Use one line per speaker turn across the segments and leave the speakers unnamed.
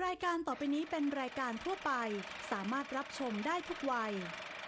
รายการต่อไปนี้เป็นรายการทั่วไปสามารถรับชมได้ทุกวัย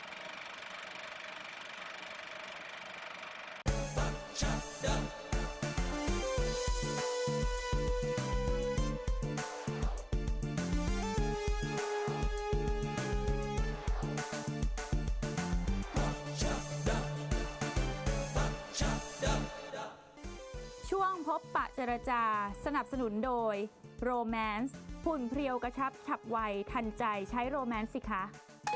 ช่วงพบปะเจรจาสนับสนุนโดยโรแมนส์หุ่นเพรียวกระชับฉับไวทันใจใช้โรแมนส์สิคะ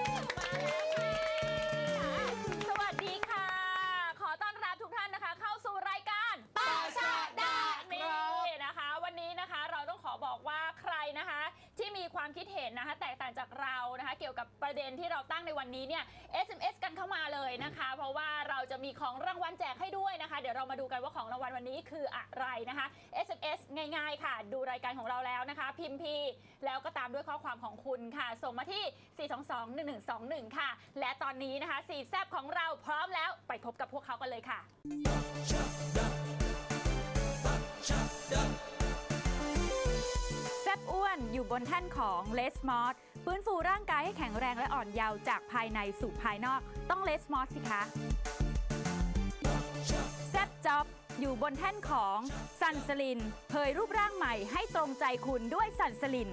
สวัสดีค่ะขอต้อนรับทุกท่านนะคะเข้าสู่รายการปาชาดานี่นะคะวันนี้นะคะเราต้องขอบอกว่าใครนะคะที่มีความคิดเห็นนะคะแตกต่างจากเรานะคะเกี่ยวกับประเด็นที่เราตั้งในวันนี้เนี่ย SMS กันเข้ามาเลยนะคะเพราะว่าเราจะมีของรางวัลแจกให้ด้วยนะคะเดี๋ยวเรามาดูกันว่าของรางวัลวันนี้คืออะไรนะคะ SMS ง่ายๆค่ะดูรายการของเราแล้วนะคะพิมพ์พีแล้วก็ตามด้วยข้อความของคุณค่ะส่งมาที่ 422-1121 ค่ะและตอนนี้นะคะ4แซบของเราพร้อมแล้วไปพบกับพวกเขากันเลยค่ะแซบอ้วนอยู่บนแท่นของเลสมอสฟื้นฟูร่างกายให้แข็งแรงและอ่อนเยาว์จากภายในสู่ภายนอกต้องเลสมอสสิคะแซบจ็อบอยู่บนแท่นของซันสลินเผยรูปร่างใหม่ให้ตรงใจคุณด้วยซันสลิน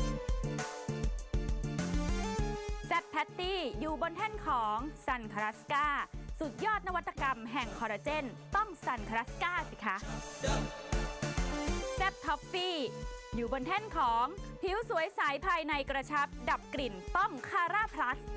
แซบแพตตี้อยู่บนแท่นของซันคาราสกาสุดยอดนวัตกรรมแห่งคอลลาเจนต้องซันคาราสกาสิคะแซบท็อฟฟี่อยู่บนแท่นของผิวสวยใสภายในกระชับดับกลิ่นต้องคาร่าพลัส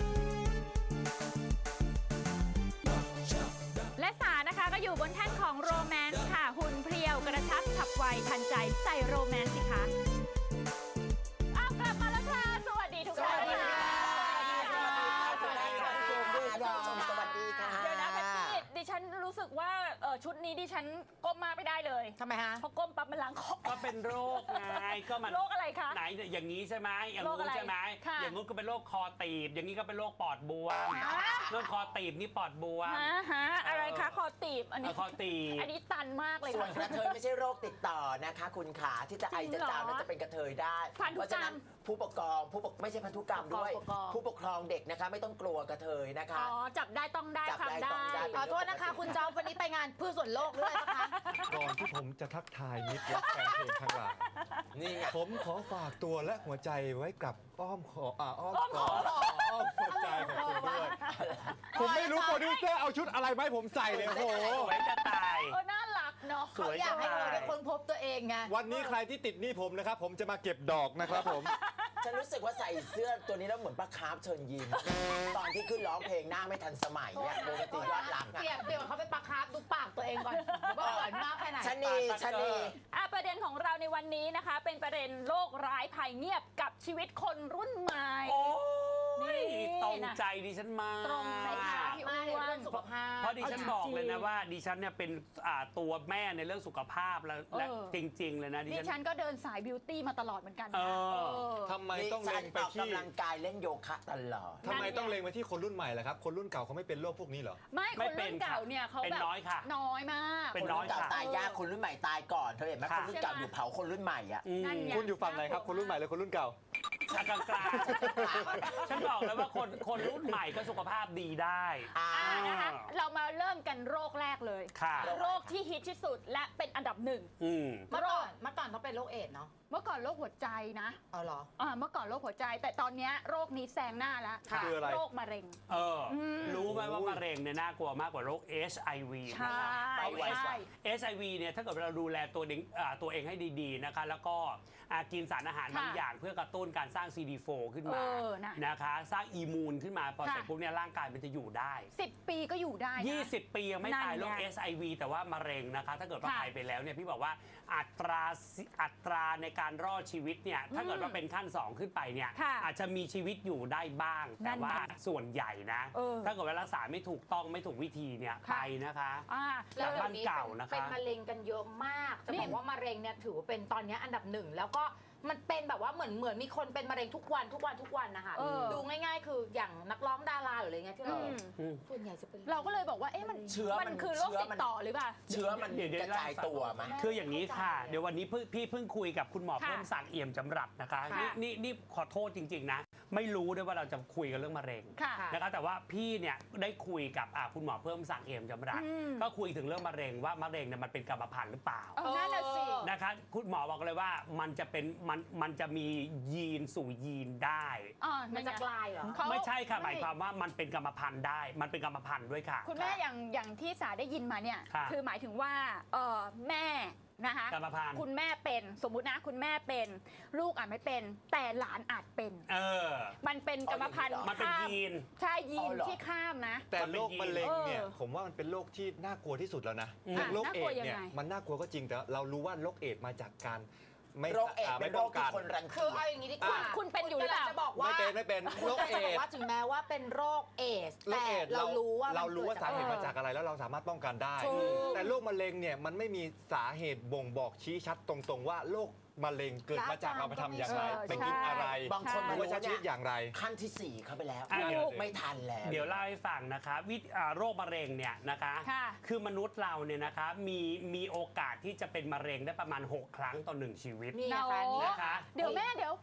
และสานะคะก็อยู่บนแท่นของโรแมนต์ค่ะหุ่นเพรียวกระชับฉับไวทันใจใส่โรแมนต์สิคะเอากลับมาแล้วค่ะสวัสดีทุกท่านค่ะ
สวัสดีค่ะสวัสดีค่ะ
เดี๋ยวนะแพตตี้ดิฉันรู้สึกว่าชุดนี้ดิฉันก้มมาไม่ได้เลย
ทำไมฮะ
เพราะก้มปั๊บมันล้างคอ
ก็เป็นโรคไงก็มัน
โรคอะไรคะ
ไหนอย่างนี้ใช่ไหมอย่างงู้นใช่ไหมอย่างงู้นก็เป็นโรคคอตีบอย่างนี้ก็เป็นโรคปอดบวมโรคคอตีบนี่ปอดบวม
อะไรคะคอตีบอันนี้
คอตีบ
อันนี้ตันมากเลย
ส่วนกระเทยไม่ใช่โรคติดต่อนะคะคุณขาที่จะไอจะจามแล้วจะเป็นกระเทยได้เพราะฉะนั้นผู้ปกครองไม่ใช่พันธุกรรมด้วยผู้ปกครองเด็กนะคะไม่ต้องกลัวกระเทยนะคะ
อ๋อจับได้ต้องได้ทำได้
ขอโทษนะคะคุณเจ้าวันนี้ไปงานเพื่อส่วนโลกด้วยนะคะ
ก่อนที่ผมจะทักทายมิตรและแฟนเพลงทั้งหลาย
นี่ไง
ผมขอฝากตัวและหัวใจไว้กับอ้อมหัวใจของคุณด้วยผมไม่รู้โปรดิวเซอร์เอาชุดอะไรมาให้ผมใส่เลยโอ้โห
สวยจะตาย
น่ารักเนาะ
เขาอยากให้เราได้ค้นพบตัวเองไง
วันนี้ใครที่ติดหนี้ผมนะครับผมจะมาเก็บดอกนะครับผม
ฉันรู้สึกว่าใส่เสื้อตัวนี้แล้วเหมือนป้าคาร์ฟเชิญยิ้มตอนที่ขึ้นร้องเพลงหน้าไม่ทันสมัยเนี่ยปกติยอดรัก
เปลี่ยนเขาไปป้าคาร์ฟดูปากตัวเองก่อนว่าเหมือนมากแค่ไหน
ชนี
ประเด็นของเราในวันนี้นะคะเป็นประเด็นโรคร้ายภัยเงียบกับชีวิตคนรุ่นใหม่
โอ้ยตรงใจดิฉันมาก
ตรงใจ
พี่อ้วนเรื่องสุขภาพ
เพราะดิฉันบอกเลยนะว่าดิฉันเนี่ยเป็นตัวแม่ในเรื่องสุขภาพและจริงๆเลยนะ
ดิฉันก็เดินสายบิวตี้มาตลอดเหมือนกัน
ทำไมต้องเล็งไปที่
กำลังกายเล่นโยคะตลอด
ทำไมต้องเล็งไปที่คนรุ่นใหม่ล่ะครับคนรุ่นเก่าเขาไม่เป็นโรคพวกนี้เหรอ
ไม่คนรุ่นเก่าเนี่ยเขาแบบน้อยมาก
คนรุ่นเก่าตายยากคนรุ่นใหม่ตายก่อนเธอเห็นไหมคนรุ่นเก่าอยู่เผาคนรุ่นใหม่อ่ะ
คุณอยู่ฝั่งไหนครับคนรุ่นใหม่หรือคนรุ่นเก่าก
ลางฉันบอกแล้วว่าคนรุ่นใหม่ก็สุขภาพดีได้
นะคะเรามาเริ่มกันโรคแรกเลยโรคที่ฮิตที่สุดและเป็นอันดับหนึ่ง
เมื่อก่อนเขาเป็นโรคเอดส์เนาะ
เมื่อก่อนโรคหัวใจนะ
อ๋อเหรอ
เมื่อก่อนโรคหัวใจแต่ตอนนี้โรคนี้แซงหน้าแล้ว
คืออะไร
โรคมะเร็ง
รู้ไหมว่ามะเร็งเนี่ยน่ากลัวมากกว่าโรค HIV
ใช่
HIV เนี่ยถ้าเกิดเราดูแลตัวเองให้ดีๆนะคะแล้วก็กินสารอาหารบางอย่างเพื่อกระตุ้นการสร้าง CD4 ขึ้นมานะคะสร้างอีมูนขึ้นมาพอเสร็จปุ๊บเนี่ยร่างกายมันจะอยู่ได้
10 ปีก็อยู่ได้
20 ปียังไม่ตายโรค HIV แต่ว่ามะเร็งนะคะถ้าเกิดว่าตายไปแล้วเนี่ยพี่บอกว่าอัตราในการรอดชีวิตเนี่ยถ้าเกิดว่าเป็นขั้น2ขึ้นไปเนี่ยอาจจะมีชีวิตอยู่ได้บ้างแต่ว่าส่วนใหญ่นะถ้าเกิดว่ารักษาไม่ถูกต้องไม่ถูกวิธีเนี่ยไปนะคะ
แล้วบ้านเก่านะคะเป็นมะเร็งกันเยอะมากจะบอกว่ามะเร็งเนี่ยถือว่าเป็นตอนนี้อันดับ1แล้วก็มันเป็นแบบว่าเหมือนมีคนเป็นมะเร็งทุกวันนะคะดูง่ายๆ คืออย่างนักร้องดาราหรืออะไรเงี้ยที่เราเห็นส่วนใหญ่จะเป็น
เราก็เลยบอกว่ามัน
เชื้อ
มันคือโรคติดต่อหรือเปล่า
เชื้อมันกระจายตัวไหม
คืออย่างนี้ค่ะเดี๋ยววันนี้พี่เพิ่งคุยกับคุณหมอเพิ่มศักดิ์เอี่ยมจำรัดนะคะนี่ขอโทษจริงๆนะไม่รู้ด้วยว่าเราจะคุยกันเรื่องมะเร็งนะคะแต่ว่าพี่เนี่ยได้คุยกับคุณหมอเพิ่มศักดิ์เอี่ยมจำรัดก็คุยถึงเรื่องมะเร็งว่ามะเร็งเนี่ยมันเป็นกรรมพันธุ์หรือเปล่า
นั่นแหละสิ
นะคะคุณหมอบอกเลยว่ามันจะมียีนสู่ยีนได้
มันจะกลายเหรอ
ไม่ใช่ค่ะหมายความว่ามันเป็นกรรมพันธุ์ได้มันเป็นกรรมพันธุ์ด้วยค่ะ
คุณแม่อย่างที่สาได้ยินมาเนี่ยคือหมายถึงว่าแม่นะคะคุณแม่เป็นสมมุตินะคุณแม่เป็นลูกอาจไม่เป็นแต่หลานอาจเป็นมันเป็นกรรมพันธุ์
มันเป็นยีน
ใช่ยีนที่ข้ามนะ
แต่โรคมะเร็งเนี่ยผมว่ามันเป็นโรคที่น่ากลัวที่สุดแล้วนะโรคเอดส์เนี่ยมันน่ากลัวก็จริงแต่เรารู้ว่าโรคเอดส์มาจากการ
โรคเอดส์เป็นโรคที่คนรังเกียจ
คือเอาอย่างนี้ดีกว่า
คุณเป็นอยู่หรือเปล่า
จะบอกว่า
ไม่เป็นโรคเอดส์
ว่าถึงแม้ว่าเป็นโรคเอดส์แต่เรารู้ว่า
สาเหตุมาจากอะไรแล้วเราสามารถป้องกันได้แต่โรคมะเร็งเนี่ยมันไม่มีสาเหตุบ่งบอกชี้ชัดตรงๆว่าโรคมะเร็งเกิดมาจากเราไปทำอย่างไรไปกินอะไร
บางคน
รู้ว่าใช้ชีวิตอย่างไร
ขั้นที่4เข้าไปแล้วไม่ทันแล้ว
เดี๋ยวเล่าให้ฟังนะคะโรคมะเร็งเนี่ยนะคะคือมนุษย์เราเนี่ยนะคะมีโอกาสที่จะเป็นมะเร็งได้ประมาณ6 ครั้งต่อ1ชีวิต
นะคะเดี๋ยว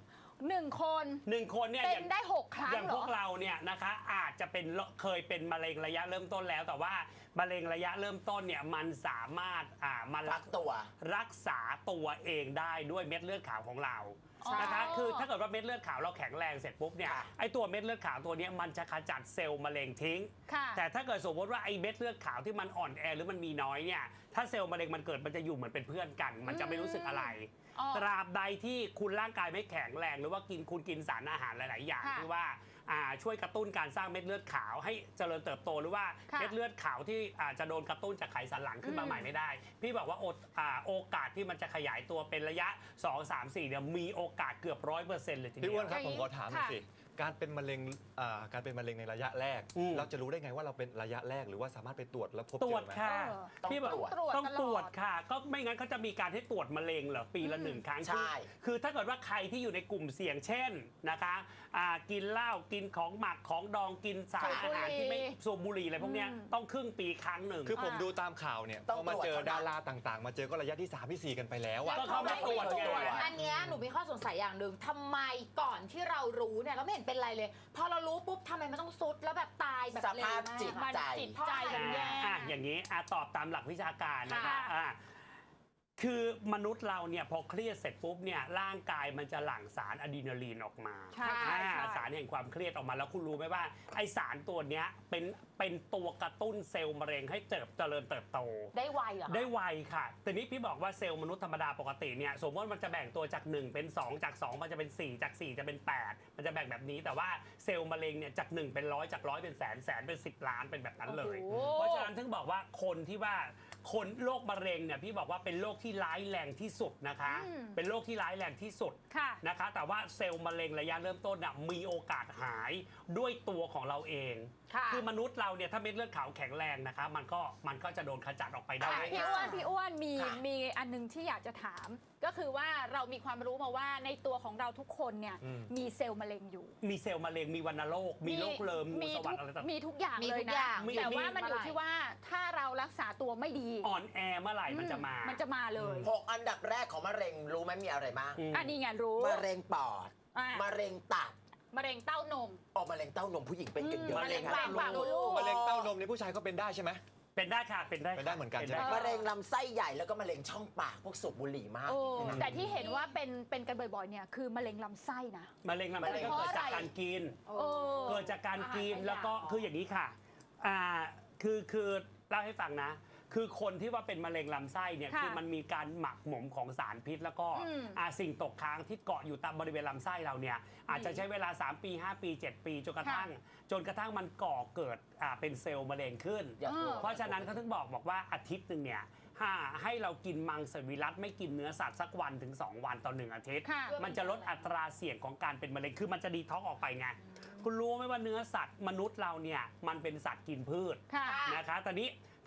1 คน
เนี่ย
เป็นได้6 ครั้ง
อย่างพวกเราเนี่ยนะคะอาจจะเป็นเคยเป็นมะเร็งระยะเริ่มต้นแล้วแต่ว่ามะเร็งระยะเริ่มต้นเนี่ยมันสามารถมารักษาตัวเองได้ด้วยเม็ดเลือดขาวของเรานะคะคือถ้าเกิดว่าเม็ดเลือดขาวเราแข็งแรงเสร็จปุ๊บเนี่ยไอตัวเม็ดเลือดขาวตัวนี้มันจะขจัดเซลล์มะเร็งทิ้งแต่ถ้าเกิดสมมติว่าไอเม็ดเลือดขาวที่มันอ่อนแอหรือมันมีน้อยเนี่ยถ้าเซลล์มะเร็งมันเกิดมันจะอยู่เหมือนเป็นเพื่อนกันมันจะไม่รู้สึกอะไรตราบใดที่คุณร่างกายไม่แข็งแรงหรือว่าคุณกินสารอาหารหลายๆอย่างที่ว่าช่วยกระตุ้นการสร้างเม็ดเลือดขาวให้เจริญเติบโตหรือว่าเม็ดเลือดขาวที่จะโดนกระตุ้นจากไขสันหลังขึ้นมาใหม่ไม่ได้พี่บอกว่าโอกาสที่มันจะขยายตัวเป็นระยะ2 3 4เนี่ยมีโอกาสเกือบ100%เลยทีเดียว
พี่อ้วนครับผมขอถามหน่อยสิการเป็นมะเร็งในระยะแรกเราจะรู้ได้ไงว่าเราเป็นระยะแรกหรือว่าสามารถไปตรวจแล้วพบเจอไหม
พี่บอกต้องตรวจค่ะก็ไม่งั้นเขาจะมีการให้ตรวจมะเร็งเหรอปีละ1 ครั้งคือถ้าเกิดว่าใครที่อยู่ในกลุ่มเสี่ยงเช่นนะคะกินเหล้ากินของหมักของดองกินสารอาหารที่ไม่สูบบุหรี่อะไรพวกนี้ต้องครึ่งปีครั้งหนึ่ง
คือผมดูตามข่าวเนี่ยพอมาเจอดาราต่างๆมาเจอก็ระยะที่3 ที่ 4กันไปแล้ว
ก็เขาไม่ตรวจ
อันนี้หนูมีข้อสงสัยอย่างหนึ่งทำไมก่อนที่เรารู้เนี่ยเราไม่เห็นเป็นไรเลยพอเรารู้ปุ๊บทำไมมันต้องซุดแล้วแบบตายแบบ
สภาพจิตใจ
อย่างนี้ตอบตามหลักวิชาการนะคะคือมนุษย์เราเนี่ยพอเครียดเสร็จปุ๊บเนี่ยร่างกายมันจะหลั่งสารอะดรีนาลีนออกมาสารแห่งความเครียดออกมาแล้วคุณรู้ไหมว่าไอสารตัวเนี้ยเป็นตัวกระตุ้นเซลล์มะเร็งให้เจริญเติบโต
ได้ไวเหรอ
ได้ไวค่ะแต่นี้พี่บอกว่าเซลล์มนุษย์ธรรมดาปกติเนี่ยสมมติมันจะแบ่งตัวจาก1เป็น2จาก2มันจะเป็น4จาก4จะเป็น8มันจะแบ่งแบบนี้แต่ว่าเซลล์มะเร็งเนี่ยจาก1เป็น100จาก100เป็นแสนแสนเป็น10 ล้านเป็นแบบนั้นเลยเพราะฉะนั้นถึงบอกว่าคนที่ว่าคนโรคมะเร็งเนี่ยพี่บอกว่าเป็นโรคที่ร้ายแรงที่สุดนะคะเป็นโรคที่ร้ายแรงที่สุดนะคะแต่ว่าเซลล์มะเร็งระยะเริ่มต้นมีโอกาสหายด้วยตัวของเราเองคือมนุษย์เราเนี่ยถ้าเม็ดเลือดขาวแข็งแรงนะคะมันก็จะโดนขจัดออกไปได้
พี่อ้วนมีอันนึงที่อยากจะถามก็คือว่าเรามีความรู้มาว่าในตัวของเราทุกคนเนี่ยมีเซลล์มะเร็งอยู่
มีเซลล์มะเร็งมีวัณโรคมีโรคเริมงูสวัสดิ์อะไรต่าง
มีทุกอย่างเลยนะแต่ว่ามันอยู่ที่ว่าถ้าเรารักษาตัวไม่ดี
อ่อนแอเมื่อไหร่มันจะ
มาเลย
6 อันดับแรกของมะเร็งรู้ไหมมีอะไรบ้าง
อันนี้ไงรู้
มะเร็งปอดมะเร็งตับ
มะเร็งเต้านม
มะเร็งเต้านมผู้หญิงเป็นกันเยอะ
มะเร็งปากมดลูก
มะเร็งเต้านมในผู้ชายก็เป็นได้ใช่ไหม
เป็นได้ค่ะเป็นได้
เหมือนกัน
มะเร็งลำไส้ใหญ่แล้วก็มะเร็งช่องปากพวกสูบบุหรี่มาก
แต่ที่เห็นว่าเป็นกันบ่อยๆเนี่ยคือมะเร็งลำไส้นะ
มะเร็งลำไส้ก็เกิดจากการกินเกิดจากการกินแล้วก็คืออย่างนี้ค่ะคือเล่าให้ฟังนะคือคนที่ว่าเป็นมะเร็งลำไส้เนี่ยคือมันมีการหมักหมมของสารพิษแล้วก็สิ่งตกค้างที่เกาะอยู่ตามบริเวณลำไส้เราเนี่ยอาจจะใช้เวลา3 ปี 5 ปี 7 ปีจนกระทั่งมันก่อเกิดเป็นเซลล์มะเร็งขึ้นเพราะฉะนั้นเขาถึงบอกว่าอาทิตย์นึงเนี่ยให้เรากินมังสวิรัติไม่กินเนื้อสัตว์สักวันถึง2 วันต่อ1 อาทิตย์มันจะลดอัตราเสี่ยงของการเป็นมะเร็งคือมันจะดีท็อกออกไปไงคุณรู้ไหมว่าเนื้อสัตว์มนุษย์เราเนี่ยมันเป็นสัตว์กินพืชนะคะตอนนี้ถ้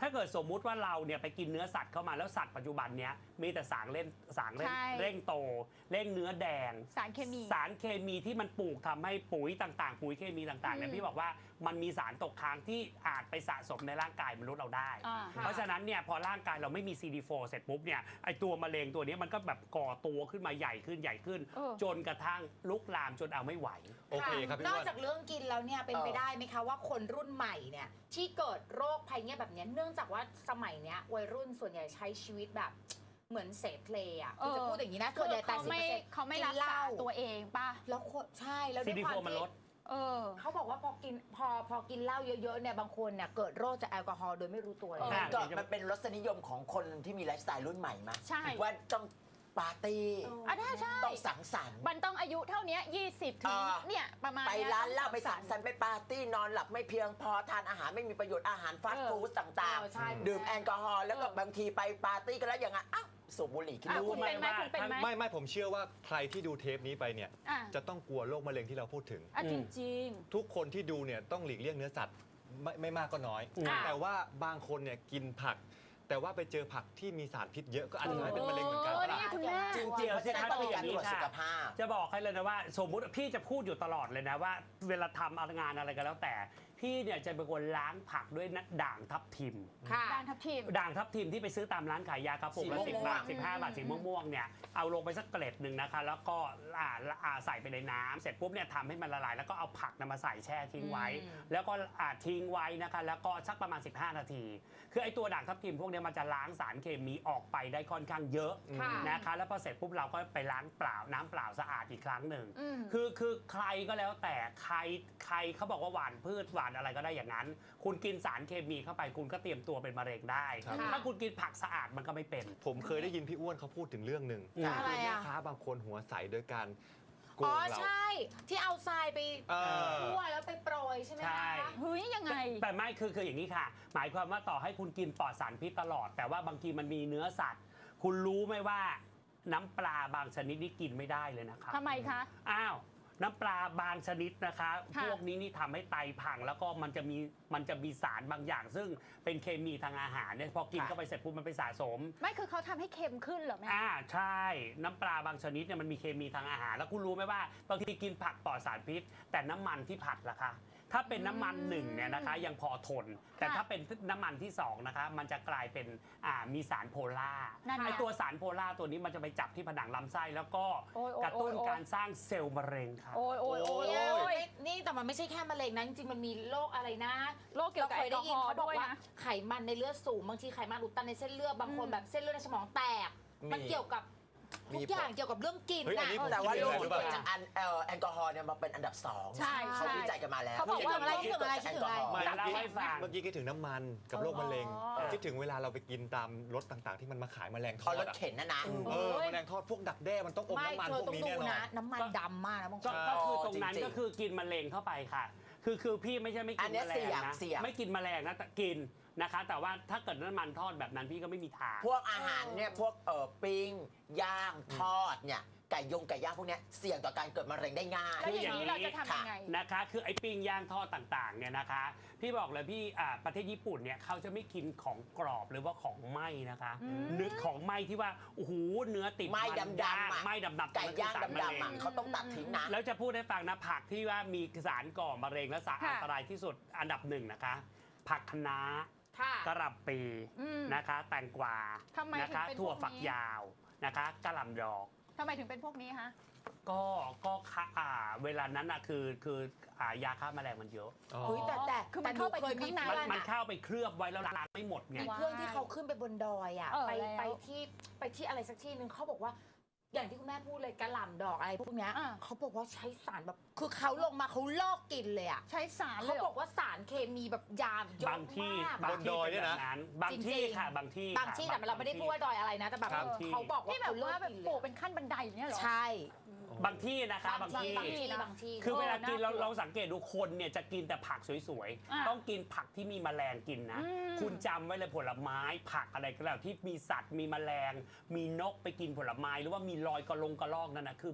ถ้าเกิดสมมุติว่าเราเนี่ยไปกินเนื้อสัตว์เข้ามาแล้วสัตว์ปัจจุบันเนี้ยมีแต่สารเร่งโตเร่งเนื้อแดง
สารเคมี
สารเคมีที่มันปลูกทำให้ปุ๋ยต่างๆปุ๋ยเคมีต่างๆเนี่ยพี่บอกว่ามันมีสารตกค้างที่อาจไปสะสมในร่างกายมนุษย์เราได้ เพราะฉะนั้นเนี่ยพอร่างกายเราไม่มี CD4 เสร็จปุ๊บเนี่ยไอตัวมะเร็งตัวนี้มันก็แบบก่อตัวขึ้นมาใหญ่ขึ้นจนกระทั่งลุกลามจนเอาไม่ไหว
โอเคครับพี่
นอก
อ้วน
จากเรื่องกินแล้วเนี่ยเป็นไปได้ไหมคะว่าคนรุ่นใหม่เนี่ยที่เกิดโรคภัยเงี้ยแบบเนี้ยเนื่องจากว่าสมัยเนี้ยวัยรุ่นส่วนใหญ่ใช้ชีวิตแบบเหมือนเสพเพลย์อ่ะจะพูดอย่างนี้นะส่วนใหญ่80%
เขาไม่รักษาตัวเองป่ะ
แล้วใช่แล้วด้วยความ
CD4 มันลด
เขาบอกว่าพอกินเหล้าเยอะๆเนี่ยบางคนเนี่ยเกิดโรคจากแอลกอฮอล์โดยไม่รู้ตัวเลย
มันเป็นรสนิยมของคนที่มีไลฟ์สไตล์รุ่นใหม่มา
ใช่
ว่าต้องปาร์ตี้
ใช่
ต้องสังสรรค์
มันต้องอายุเท่านี้20ถึงเนี่ยประมาณ
ไปร้านเหล้าไปสังสรรค์ไปปาร์ตี้นอนหลับไม่เพียงพอทานอาหารไม่มีประโยชน์อาหารฟาสต์ฟู้ดต่างๆดื่มแอลกอฮอล์แล้วก็บางทีไปปาร์ตี้กันแล้วอย่างนั้นอ้าวสูบบุหรี่ขึ้น
คุณเป็นไหมคุณเป็นไหม
ไม่ผมเชื่อว่าใครที่ดูเทปนี้ไปเนี่ยจะต้องกลัวโรคมะเร็งที่เราพูดถึง
จริง
ทุกคนที่ดูเนี่ยต้องหลีกเลี่ยงเนื้อสัตว์ไม่มากก็น้อย แต่ว่าบางคนเนี่ยกินผัก แต่ว่าไปเจอผักที่มีสารพิษเยอะก็อาจจะทำให้เป็นมะเร็งเหมือนกัน
นี่คุณแม่
จริงๆเพราะฉะนั้นต้องมีการตรวจสุขภาพ
จะบอกให้เลยนะว่าสมมุติพี่จะพูดอยู่ตลอดเลยนะว่าเวลาทำงานอะไรก็แล้วแต่พี่เนี่ยจะเป็นคนล้างผักด้วยด่างทับทิม
ด่างทับทิม
ด่างทับทิมที่ไปซื้อตามร้านขายยากระปุกละ
สี
10
ม่วง
บาท 15 บาทสีม่วงๆเนี่ยเอาลงไปสักเกล็ดหนึ่งนะคะแล้วก็ใส่ไปในน้ำเสร็จปุ๊บเนี่ยทำให้มันละลายแล้วก็เอาผักนำมาใส่แช่ทิ้งไว้ แล้วก็ทิ้งไว้นะคะแล้วก็สักประมาณ15 นาที คือไอ้ตัวด่างทับทิมพวกนี้มันจะล้างสารเคมีออกไปได้ค่อนข้างเยอะนะคะแล้วพอเสร็จปุ๊บเราก็ไปล้างเปล่าน้ำเปล่าสะอาดอีกครั้งหนึ่งคือใครก็แล้วแต่ใครเขาบอกว่าหวานพืชหวานอะไรก็ได้อย่างนั้นคุณกินสารเคมีเข้าไปคุณก็เตรียมตัวเป็นมะเร็งได้ ถ้าคุณกินผักสะอาดมันก็ไม่เป็น
ผมเคยได้ยินพี่อ้วนเขาพูดถึงเรื่องหนึ่ง
อะไร
แม่
อ่ะ
ค้าบางคนหัวใสโดยการโกงเรา
ใช่ที่เอาทรายไปคั่วแล้วไปโปรยใช่ไหม
ใช่
คะ
เฮ้ยยังไง
แต่ไม่คืออย่างนี้ค่ะ หมายความว่าต่อให้คุณกินปลอดสารพิษตลอด แต่ว่าบางทีมันมีเนื้อสัตว์ คุณรู้ไหมว่าน้ำปลาบางชนิดนี่กินไม่ได้เลยนะคะ
ทำไมคะ
อ้าวน้ำปลาบางชนิดนะคะ
ค่ะ
พวกนี้นี่ทำให้ไตพังแล้วก็มันจะมีสารบางอย่าง ซึ่งเป็นเคมีทางอาหารเนี่ยพอกินเข้าไปเสร็จปุ๊บมันไปสะสม
ไม่คือเขาทำให้เค็มขึ้นเหรอแม่
ใช่น้ำปลาบางชนิดเนี่ยมันมีเคมีทางอาหาร แล้วคุณรู้ไหมว่าบางทีกินผักปลอดสารพิษ แต่น้ำมันที่ผัดล่ะคะถ้าเป็นน้ำมันหนึ่งเนี่ยนะคะยังพอทน แต่ถ้าเป็นน้ำมันที่2นะคะมันจะกลายเป็นมีสารโพล่า
นั่นไง
ไอตัวสารโพล่าตัวนี้มันจะไปจับที่ผนังลำไส้แล้วก็
โอ้ย
กระตุ้น
โอ้ย
การสร้างเซลล์มะเร็งค่ะ
โอ้ย
นี่แต่มันไม่ใช่แค่มะเร็งนะจริงๆมันมีโรคอะไรนะ
โรคเกี่ยวกับ
เคยได้ยินเขาบอก
แอลกอฮอล์ด้วย
ว่า
นะ
ไขมันในเลือดสูงบางทีไขมันอุดตันในเส้นเลือดบางคนแบบเส้นเลือดในสมองแตกมันเกี่ยวกับทุกอย่างเกี่ยวกับเรื่องกิน
เฮ้ยอัน
นะ
นี้ผม
แต่ว่าโรค
คิ
ที่
ด
เกิ
เลย
ดจากแอลกอฮอล์เนี่ยมาเป็นอันดับ2
ใช่
เขาวิจัยกันมาแล้ว
เขาบอกว่า
คิดถึงอะไรคิดถึงอะไร
ไม่
เล่าให้ฟัง
เมื่อกี้คิดถึงน้ำมันกับโรคมะเร็ง คิดถึงเวลาเราไปกินตามรถต่างๆ ที่มันมาขายแมลงท
พอ
อด
รถ
อะ
เข็นนะ
แมลงทอดพวกดักแด้มันต้องอม
ไม่
น้ำมัน
เธอ
พวก
ต้อง
นี้
ดู
แน่นอน
นะน้ำมันดำมากนะบางคน
ก็คือตรงนั้น
จริงๆ
ก็คือกินมะเร็งเข้าไปค่ะ คือพี่ไม่ใช่ไม่
อั
กิน
นเนี้ย
แมลงนะ
เสี่ยง
ไม่กินแมลงนะแต่กินนะคะ แต่ว่าถ้าเกิดน้ำมันทอดแบบนั้นพี่ก็ไม่มีทาง
พวกอาหารเนี่ยพวกปิ้งย่างทอดเนี่ยไก่ย่างพวกเนี้ยเสี่ยงต่อการเกิดมะเร็งได้ง่าย
แล้วอย่างนี้เราจะทำยังไง
นะคะคือไอ้ปิ้งย่างทอดต่างๆเนี่ยนะคะ พี่บอกเลยพี่ประเทศญี่ปุ่นเนี่ยเขาจะไม่กินของกรอบหรือว่าของไหม้นะคะเนื้อของไหม้ที่ว่าโอ้โหเนื้อติด
ไหม้ดำๆ
ย่าง
อะ
ไหม้ดำๆ
ไก่ย่าง
นั่นคือสรมะเร็
ดำๆเขาต้องตัดทิ้งนะ
แล้วจะพูดให้ฟังนะผักที่ว่ามีสารก่อมะเร็งและสาร
ค่ะ
อันตรายที่สุดอันดับ1นะคะ ผักคะน้า
ค่ะ
กระหล่ำปีนะคะแตงกวา
ทำไม
นะคะ
ถึงเป็น
ถั่ว
พวกนี้
ฝักยาวนะคะกระหล่ำดอก
ทำไมถึงเป็นพวกนี้คะ
ก็เวลานั้นอ่ะคือยาฆ่าแมลงมันเยอะ
เฮ้ยแต่
คือมันเข้าไปถึงข้างใน
มันเข้าไปเคลือบไว้แล้วล้างไม่หมดไง
มีเพื่อนที่เขาขึ้นไปบนดอยอ่ะ
เออ
ไป
แล้ว
ไปที่อะไรสักที่หนึ่งเขาบอกว่า อย่างที่คุณแม่พูดเลยกระหล่ำดอกอะไรพวกเนี้ยเขาบอกว่าใช้สารแบบคือเขาลงมาเขาลอกกินเลยอ่ะ
ใช้สารเล
เขา
ย
บอกว่าสารเคมีแบบยามเยอะ
บางที่
มาก
บางที่
บนดอยเนี่ยนะ
เป็แบบบางที่ค่ะบางที่
บางที่แต่เราไม่ได้พูดว่าดอยอะไรนะแต่แบบ
ครับ
เขาบอกว่า
ที่แบบว่าแบบ
เข
ปลู
เลิ
กเป็นขั้นบันไดอย่างเงี้ยเหรอ
ใช่
บางที่นะคะบางที่
บางที่
คือเวลากิน
น่ากลัว
เราสังเกตดูคนเนี่ยจะกินแต่ผักสวย
อ่ะ
ๆ ต้องกินผักที่มีแมลงกินนะ คุณจำไว้เลยผลไม้ผักอะไรก็แล้วที่มีสัตว์มีแมลง มีนกไปกินผลไม้หรือว่ามีรอยกระลอกนั่นนะคือ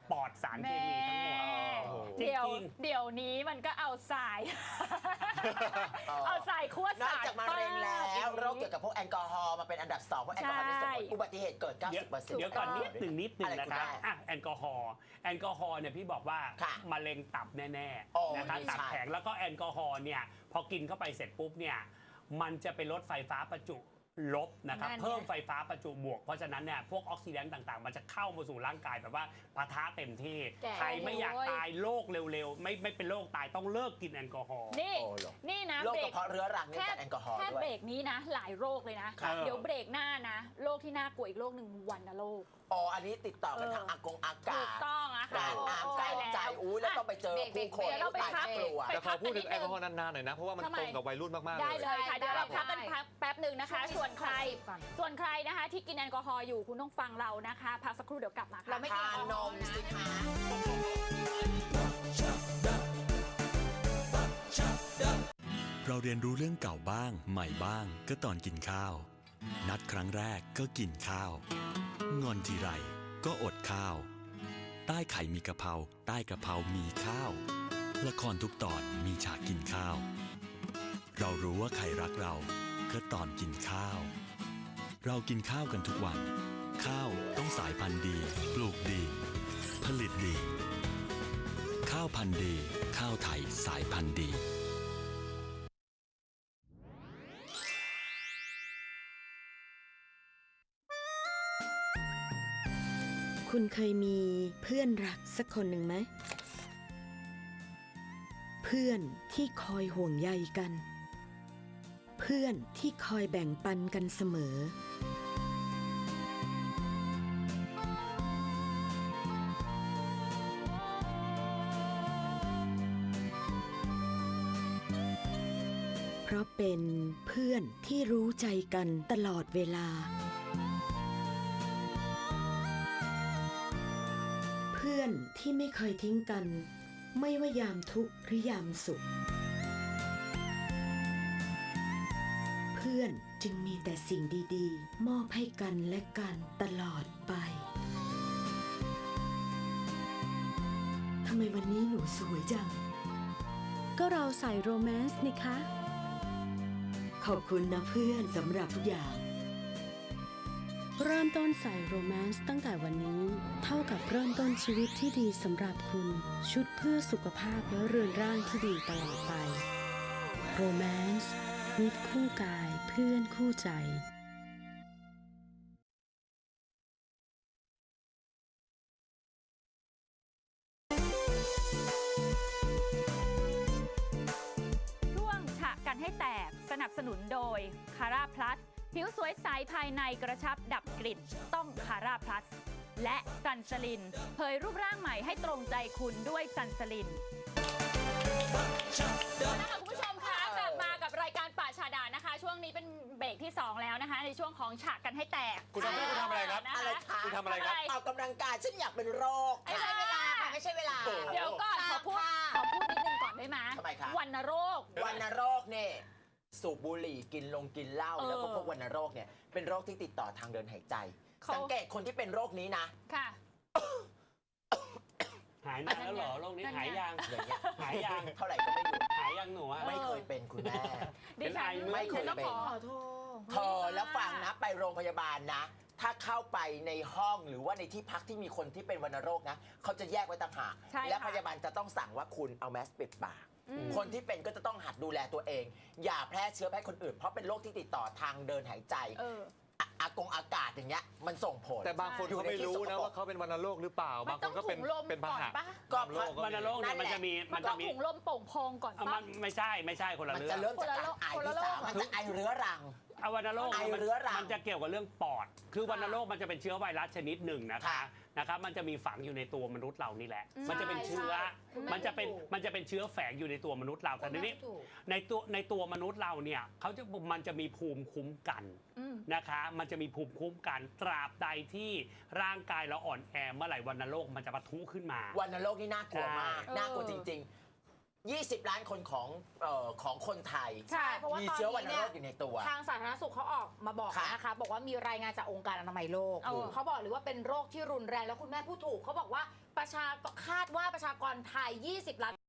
ปลอดสารเคมีทั้งหมด
เดี๋ยวนี้มันก็เอาทราย เอาทรายคั่วน
อก
สาร
จากมะเร็งแล้วโรคเกี่ยวกับพวกแอลกอฮอล์มาเป็นอันดับ2เพราะแอลกอฮอล์มีส่วนผลอุบัติเหตุเกิด 90%
เดี๋ยวก่อนนิดหนึ่งนะครับ
อะไรคุณแม่
แอลกอฮอล์เนี่ยพี่บอกว่า
ค่ะ
มะเร็งตับแน่
โอ้
ๆนะคะ
นี่
ตับ
ใช่
แข็งแล้วก็แอลกอฮอล์เนี่ยพอกินเข้าไปเสร็จปุ๊บเนี่ยมันจะไปลดไฟฟ้าประจุลบนะครับ
นั่นไง
เพิ่มไฟฟ้าประจุบวกเพราะฉะนั้นเนี่ยพวกออกซิแดนต์ต่างๆ มันจะเข้ามาสู่ร่างกายแบบว่าปะทะเต็มที่
แก่
ใครไม่อยากตายโรคเร็วๆไม่เป็นโรคตายต้องเลิกกินแอลกอฮอล์
นี่
โอ้เหรอ
นี่นะ
โรค
เบร
กระ
ก
เพาะเรื้อรังนี่จากแอลกอฮอล์
แค่
ด้ว
เบร
ย
กนี้นะ หลายโรคเลยนะ
ครับ
เดี๋ยวเบรกหน้านะ โรคที่น่ากลัวอีกโรคหนึ่งวัณโรค
อ๋ออันนี้ติดต่อกันทางอากงอา
ถู
กาก ศ
ต้องอะค่ะ
การอ่านการใจ
แล้ว
อุ้ยแล้วต้องไปเจอผู้คน
เดี๋ยวเราไป
ตาย
พัก
กลัว
แต่ขอพูดถึงแอลกอฮอล์นานๆหน่อยนะ เพราะว่ามัน
ทำไม
ตรงกับวัยรุ่นมากๆ
ได้
เลย
เลยค่ะ เดี๋ยวเราพักกัน
ได้
แป๊บหนึ่งนะคะ
ช่วงนี้
ส่วนใคร
ก่อน
ส่วนใครนะคะที่กินแอลกอฮอล์อยู่คุณต้องฟังเรานะคะ พักสักครู่เดี๋ยวกลับมาค่ะ
เราไม่กิน
ทา
แอลก
น
อฮอ
ม
ล์นะ
สิคะ
เราเรียนรู้เรื่องเก่าบ้างใหม่บ้างก็ตอนกินข้าว นัดครั้งแรกก็กินข้าว งอนทีไรก็อดข้าว ใต้ไข่มีกะเพราใต้กะเพรามีข้าว ละครทุกตอนมีฉากกินข้าว เรารู้ว่าใครรักเราก็ตอนกินข้าว เรากินข้าวกันทุกวัน ข้าวต้องสายพันธุ์ดี ปลูกดี ผลิตดี ข้าวพันธุ์ดี ข้าวไทยสายพันธุ์ดี
คุณเคยมีเพื่อนรักสักคนหนึ่งไหม เพื่อนที่คอยห่วงใยกัน เพื่อนที่คอยแบ่งปันกันเสมอ เพราะเป็นเพื่อนที่รู้ใจกันตลอดเวลา เพื่อนที่ไม่เคยทิ้งกัน ไม่ว่ายามทุกข์หรือยามสุข เพื่อนจึงมีแต่สิ่งดีๆ มอบให้กันและกันตลอดไปทำไมวันนี้หนูสวยจัง
ก็เราใส่โรแมนต์นี่คะ
ขอบคุณนะเพื่อนสำหรับทุกอย่าง
เริ่มต้นใส่โรแมนต์ตั้งแต่วันนี้ เท่ากับเริ่มต้นชีวิตที่ดีสำหรับคุณ ชุดเพื่อสุขภาพและเรือนร่างที่ดีตลอดไปโรแมนต์มิตรคู่กายเพื่อนคู่ใจ
ช่วงฉะกันให้แตกสนับสนุนโดยคาราพลัสผิวสวยใสภายในกระชับดับกลิ่นต้องคาราพลัสและซันสลินเผยรูปร่างใหม่ให้ตรงใจคุณด้วยซันสลินนะคะคุณผู้ชมคะกลับมากับรายการป่าชาดานะคะ ช่วงนี้เป็นเบรกที่ 2 แล้วนะคะ ในช่วงของฉะกันให้แตก
คุณทำอะไรครับ
นะ
อะไร
คะ
คะ
คุณทำอะไรครับ
ออกกำลังกายฉันอยากเป็นโรค
ไอ้
ไม่ใช่เวลาค่ะ ไม่ใช่เวลา
เดี๋ยวก่อนขอพูดนิดนึงก่อนได้ไหม
ทำไมคะ
วัณโรค
วัณโรคเนี่ยสูบบุหรี่กินเหล้า
เออ
แล้วก็พวกวัณโรคเนี่ยเป็นโรคที่ติดต่อทางเดินหายใจ
เขา
สังเกตคนที่เป็นโรคนี้นะ
ค่ะ
หายนานแล้วเหรอโรคนี้หายยัง
อย่างเงี้ย
หายยัง
เท่าไหร่ก็ไม่หยุด
หายยังหนูอะ
ไม่เคยเป็นคุณแม่
ดิฉัน
ไม่เคย
ต้อง
เป็น
ขอ
ขอโทษ
เธอแล้วฟังนะไปโรงพยาบาลนะ ถ้าเข้าไปในห้องหรือว่าในที่พักที่มีคนที่เป็นวัณโรคนะเขาจะแยกไว้ต่างหาก
ใช่ค่ะ
และพยาบาลจะต้องสั่งว่าคุณเอาแมสปิดปาก คนที่เป็นก็จะต้องหัดดูแลตัวเอง อย่าแพร่เชื้อไปให้คนอื่น เพราะเป็นโรคที่ติดต่อทางเดินหายใจ อากาศอย่างเงี้ยมันส่งผล
แต่บางคนเขาไม่รู้นะว่าเขาเป็นวัณโรคหรือเปล่า บางคนก็เป็น
มันต้องถุงลม
เป็นพาหะ
ก่อนปะ
ก็
บางโรค
วัณโรคเนี่ยมันจะมี
มันต้องถุงลมโป่งพองก่อน
เอา
ปะ
มันไม่ใช่คนละ
มัน
เรื่
จะ
อง
เริ่มจากการไอ
คนละ
ที่
โรค
สามมันจะไอเรื้อรัง
เอาวัณโรค
ไอเรื้อรัง
มันจะเกี่ยวกับเรื่องปอด คือวัณโรคมันจะเป็นเชื้อไวรัสชนิดหนึ่งนะคะ
ค่ะ
นะครับมันจะมีฝังอยู่ในตัวมนุษย์เรานี่แหละ
อืม
มันจะเป็นเชื้อ
ใช่
มันจะเป็น
ถูก
มันจะเป็นเชื้อแฝงอยู่ในตัวมนุษย์เราแต่ทีนี้
ถูก
ในตัวมนุษย์เราเนี่ยมันจะมีภูมิคุ้มกัน
อืม
นะคะมันจะมีภูมิคุ้มกันตราบใดที่ร่างกายเราอ่อนแอเมื่อไหร่วัณโรคมันจะปะทุขึ้นมา
วัณโรคนี่น่ากลัวมาก
ใช่
น่ากลัวจริง 20 ล้านคนของคนไทย
ใช่เพราะว่า
มี
ตอน
เชื้อวัณ
นี้
โร
เนี่ย
คอยู่ในตัว
ทางสาธารณสุขเขาออกมาบอก
ค่ะ
นะคะบอกว่ามีรายงานจากองค์การอนามัยโลกเขาบอกเลยว่าเป็นโรคที่รุนแรงแล้วคุณแม่พูดถูกเขาบอกว่าคาดว่าประชากรไทย 20 ล้าน